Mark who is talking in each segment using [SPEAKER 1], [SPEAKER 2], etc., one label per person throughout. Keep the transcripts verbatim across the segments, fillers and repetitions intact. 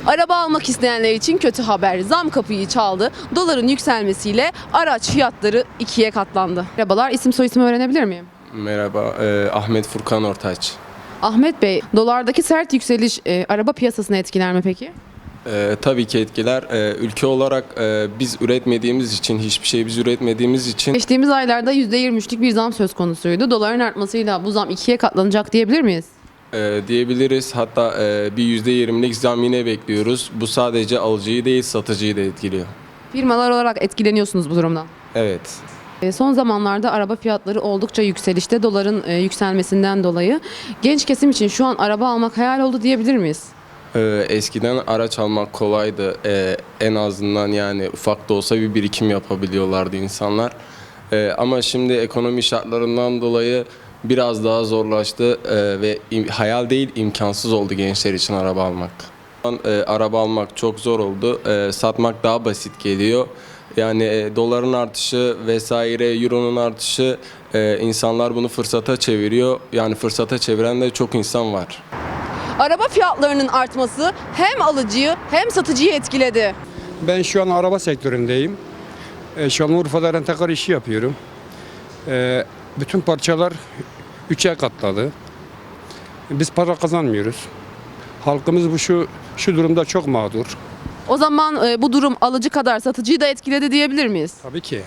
[SPEAKER 1] Araba almak isteyenler için kötü haber. Zam kapıyı çaldı. Doların yükselmesiyle araç fiyatları ikiye katlandı. Merhabalar, isim soyisim öğrenebilir miyim?
[SPEAKER 2] Merhaba, e, Ahmet Furkan Ortaç.
[SPEAKER 1] Ahmet Bey, dolardaki sert yükseliş e, araba piyasasını etkiler mi peki?
[SPEAKER 2] E, tabii ki etkiler. E, ülke olarak e, biz üretmediğimiz için, hiçbir şey biz üretmediğimiz için
[SPEAKER 1] Geçtiğimiz aylarda yüzde yirmi üçlük bir zam söz konusuydu. Doların artmasıyla bu zam ikiye katlanacak diyebilir miyiz?
[SPEAKER 2] e, diyebiliriz. Hatta e, bir yüzde yirmilik zam yine bekliyoruz. Bu sadece alıcıyı değil, satıcıyı da etkiliyor.
[SPEAKER 1] Firmalar olarak etkileniyorsunuz bu durumdan.
[SPEAKER 2] Evet.
[SPEAKER 1] E, Son zamanlarda araba fiyatları oldukça yükselişte, doların e, yükselmesinden dolayı. Genç kesim için şu an araba almak hayal oldu diyebilir miyiz?
[SPEAKER 2] E, eskiden araç almak kolaydı. E, en azından yani ufak da olsa bir birikim yapabiliyorlardı insanlar. E, ama şimdi ekonomi şartlarından dolayı biraz daha zorlaştı e, ve im- hayal değil imkansız oldu gençler için araba almak. Şu an, e, araba almak çok zor oldu. E, satmak daha basit geliyor. Yani e, doların artışı vesaire, euronun artışı e, insanlar bunu fırsata çeviriyor. Yani fırsata çeviren de çok insan var.
[SPEAKER 1] Araba fiyatlarının artması hem alıcıyı hem satıcıyı etkiledi.
[SPEAKER 3] Ben şu an araba sektöründeyim. E, Şanlıurfa'da rentekar işi yapıyorum. E, bütün parçalar üçe katladı. Biz para kazanmıyoruz. Halkımız bu şu şu durumda çok mağdur.
[SPEAKER 1] O zaman e, bu durum alıcı kadar satıcıyı da etkiledi diyebilir miyiz?
[SPEAKER 3] Tabii ki.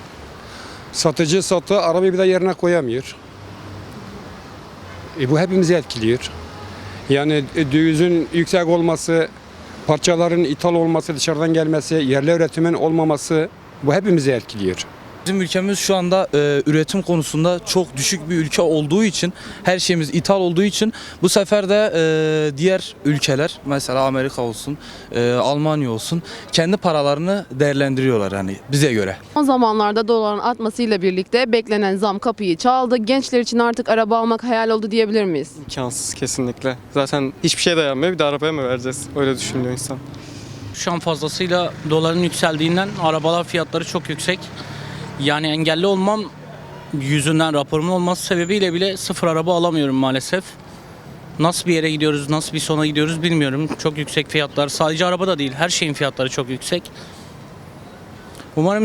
[SPEAKER 3] Satıcı satı arabayı bir de yerine koyamıyor. E, bu hepimizi etkiliyor. Yani e, dövizin yüksek olması, parçaların ithal olması, dışarıdan gelmesi, yerli üretimin olmaması bu hepimizi etkiliyor.
[SPEAKER 4] Bizim ülkemiz şu anda e, üretim konusunda çok düşük bir ülke olduğu için, her şeyimiz ithal olduğu için bu sefer de e, diğer ülkeler, mesela Amerika olsun, e, Almanya olsun, kendi paralarını değerlendiriyorlar hani bize göre.
[SPEAKER 1] Son zamanlarda doların artmasıyla birlikte beklenen zam kapıyı çaldı. Gençler için artık araba almak hayal oldu diyebilir miyiz?
[SPEAKER 5] İmkansız kesinlikle. Zaten hiçbir şey dayanmıyor. Bir de arabaya mı vereceğiz? Öyle düşünüyor insan.
[SPEAKER 6] Şu an fazlasıyla doların yükseldiğinden arabalar fiyatları çok yüksek. Yani engelli olmam yüzünden, raporumun olması sebebiyle bile sıfır araba alamıyorum maalesef. Nasıl bir yere gidiyoruz, nasıl bir sona gidiyoruz bilmiyorum. Çok yüksek fiyatlar. Sadece araba da değil, her şeyin fiyatları çok yüksek. Umarım